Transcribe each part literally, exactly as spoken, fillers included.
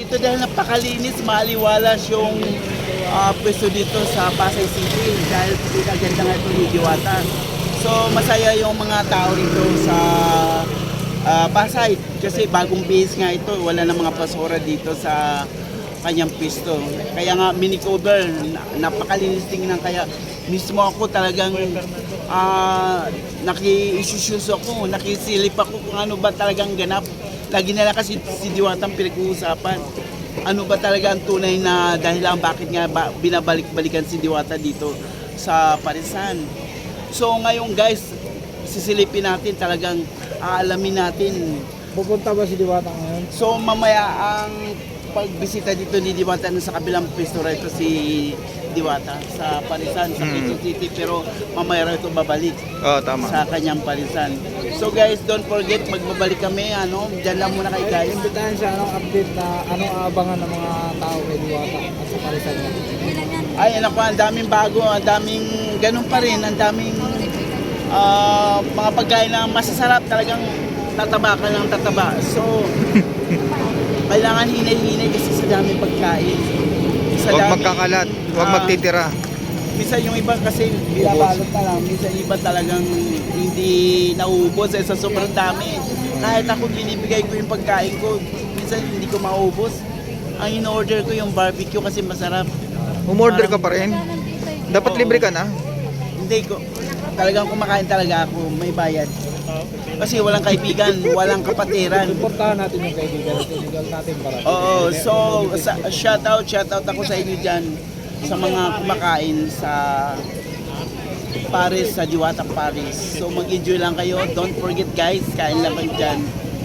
dito dahil napakalinis, maliwalas yung uh, pwesto dito sa Pasay City dahil pinaganda nga ito ni Diwata. So masaya yung mga tao rito sa uh, Pasay kasi bagong base nga ito, wala na mga basura dito sa kanyang pwesto. Kaya nga mini-cover, napakalinis tingnan, kaya mismo ako talagang uh, naki-issues ako, nakisilip ako kung ano ba talagang ganap. Lagi nila kasi si Diwatang pinag-uusapan. Ano ba talaga ang tunay na dahilan bakit nga ba binabalik-balikan si Diwata dito sa Parisan. So ngayon guys, sisilipin natin, talagang aalamin natin. Pupunta ba si Diwata ngayon? So mamaya ang pagbisita dito ni Diwata sa kabilang pwesto rito si Diwata sa Parisan, sa Quezon City, pero mamaya ito babalik Oh, tama. sa kanyang Parisan. So guys, don't forget, magbabalik kami, ano, dyan lang muna kayo guys. Imbitahan siya, anong update na anong aabangan ng mga tao kay Diwata at sa Parisan niya? Ay, anak ko, ang daming bago, ang daming ganun pa rin, ang daming ah, mga pagkain na masasarap, talagang tataba ka ng tataba. So, kailangan hinay-hinay kasi sa daming pagkain. Sa Huwag daming, magkakalat, huwag ah, magtitira. Minsan yung iba kasi binabalot na lang, minsan yung iba talagang hindi nauubos eh, sa sobrang dami. Kahit ako binibigay ko yung pagkain ko, minsan hindi ko maubos. Ang in-order ko yung barbecue kasi masarap. Umorder ka pa rin. Dapat Oo. libre ka na. Hindi ko, talagang kumakain talaga ako, may bayad. Kasi walang kaibigan, walang kapatiran. Suportahan natin yung kaibigan at kaibigan natin para. Oo, so sa, shout out, shout out ako sa inyo dyan sa mga kumakain sa Paris, sa Diwata Paris. So mag-enjoy lang kayo, don't forget guys, kain lang kayo dyan.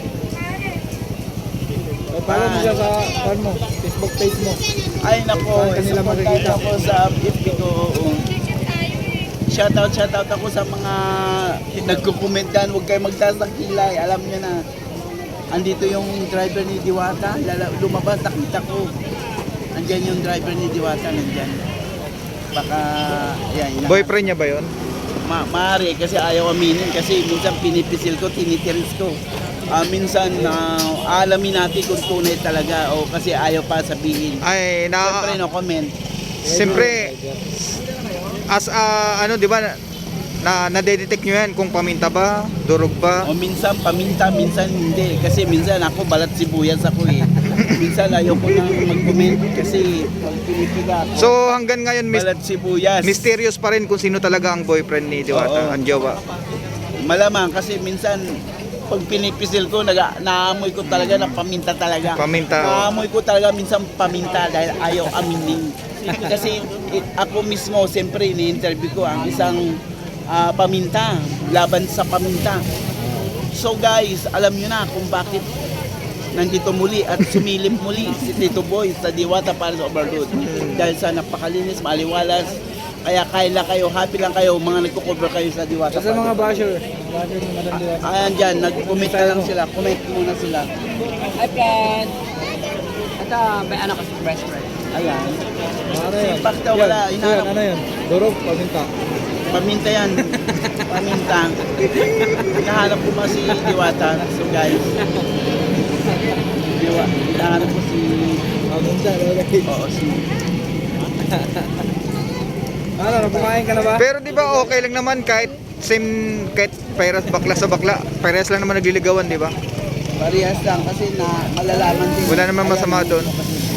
So, follow mo siya sa fan mo, Facebook page mo. Ay nako, Saan kanila support makikita? ako sa F B ko. Oo. Shout out, shout out ako sa mga nagko-comment dyan, huwag kayo magtaas ng kilay, alam nyo na. Andito yung driver ni Diwata, lala, lumabas, nakita ko. Andyan yung driver ni Diwata, nandyan. Baka, yan. yan. Boyfriend niya ba yon? Ma maaari, kasi ayaw aminin, kasi minsan pinipisil ko, tinitiris ko. Ah, minsan, uh, alamin natin kung tunay talaga, o kasi ayaw pa sabihin. Ay, Siyempre, na... no comment. Siyempre, as a, ano, di ba, na nadedetect nyo yan kung paminta ba, durog ba? O minsan paminta, minsan hindi. Kasi minsan ako balat sibuyas ako eh. Minsan ayaw ko nang mag-comment kasi pag pinipiga ako, So hanggang ngayon, mis- balat sibuyas. mysterious pa rin kung sino talaga ang boyfriend ni Oo. Diwata, ang jowa. Malamang kasi minsan pag pinipisil ko, naga, naamoy ko talaga ng paminta talaga. Paminta, oh. Naamoy ko talaga minsan paminta dahil ayaw aminin. Kasi it, ako mismo, siyempre, ini-interview ko ang isang ah, paminta, laban sa paminta. So guys, alam nyo na kung bakit nandito muli at sumilip muli si Tito Boy sa Diwata Paris Overload. Dahil sa napakalinis, maliwalas. Kaya kain lang kayo, happy lang kayo, mga nagko-cover kayo sa Diwata Sa mga Paris. basher, basher ni Madam Diwata. Ayan dyan, nag-comment na lang sila, comment muna sila. Hi, friend! Ito, may anak ko si best friend. Ayan, Ano yan? Sipak daw, wala, Yan, hinahanap. yan, ano yan? Durog, paminta. paminta yan, paminta. Hinahanap ko pa si Diwata, so guys. Diwa, hinahanap ko si, Paminta, okay. oo, si, Ano, kumain ka na ba? Pero di ba okay lang naman kahit same, kahit parehas bakla sa bakla, parehas lang naman nagliligawan, di ba? parehas lang kasi na malalaman din. Wala naman masama doon.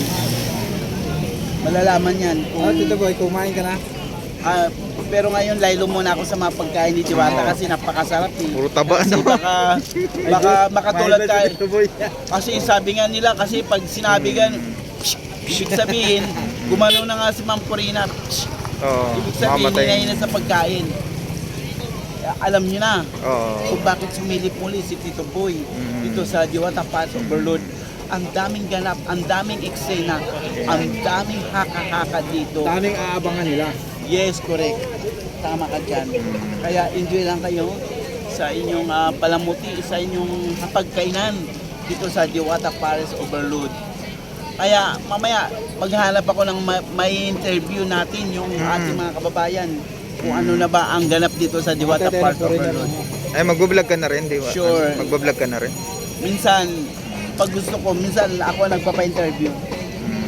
Malalaman yan. Oh, Kung, Tito Boy, kumain ka na? ah, pero ngayon, laylo muna ako sa mga pagkain ni Diwata kasi napakasarap eh. Puro taba, Kasi no? baka, baka makatulad Mahal na si tayo. Tito Boy. Kasi sabi nga nila, kasi pag sinabi gan, ibig sabihin, gumano na nga si Ma'am Corina. Oo, Ibig sabihin, mamatay. hinahin na sa pagkain. Alam niyo na Oo. kung bakit sumilip muli si Tito Boy Mm. dito sa Diwata Paris Overload. Ang daming ganap, ang daming eksena, ang daming haka-haka dito. Daming aabangan nila. Yes, correct. Tama ka dyan. Kaya enjoy lang kayo sa inyong ah, palamuti, sa inyong pagkainan dito sa Diwata Paris Overload. Kaya mamaya maghanap ako ng ma- may interview natin yung Mm. ating mga kababayan kung ano na ba ang ganap dito sa Diwata Matetera Paris po rin yan, Overload. ano. Ay, magbablog ka na rin, di ba? Sure. Magbablog ka na rin. Minsan pag gusto ko, minsan ako ang nagpapa-interview.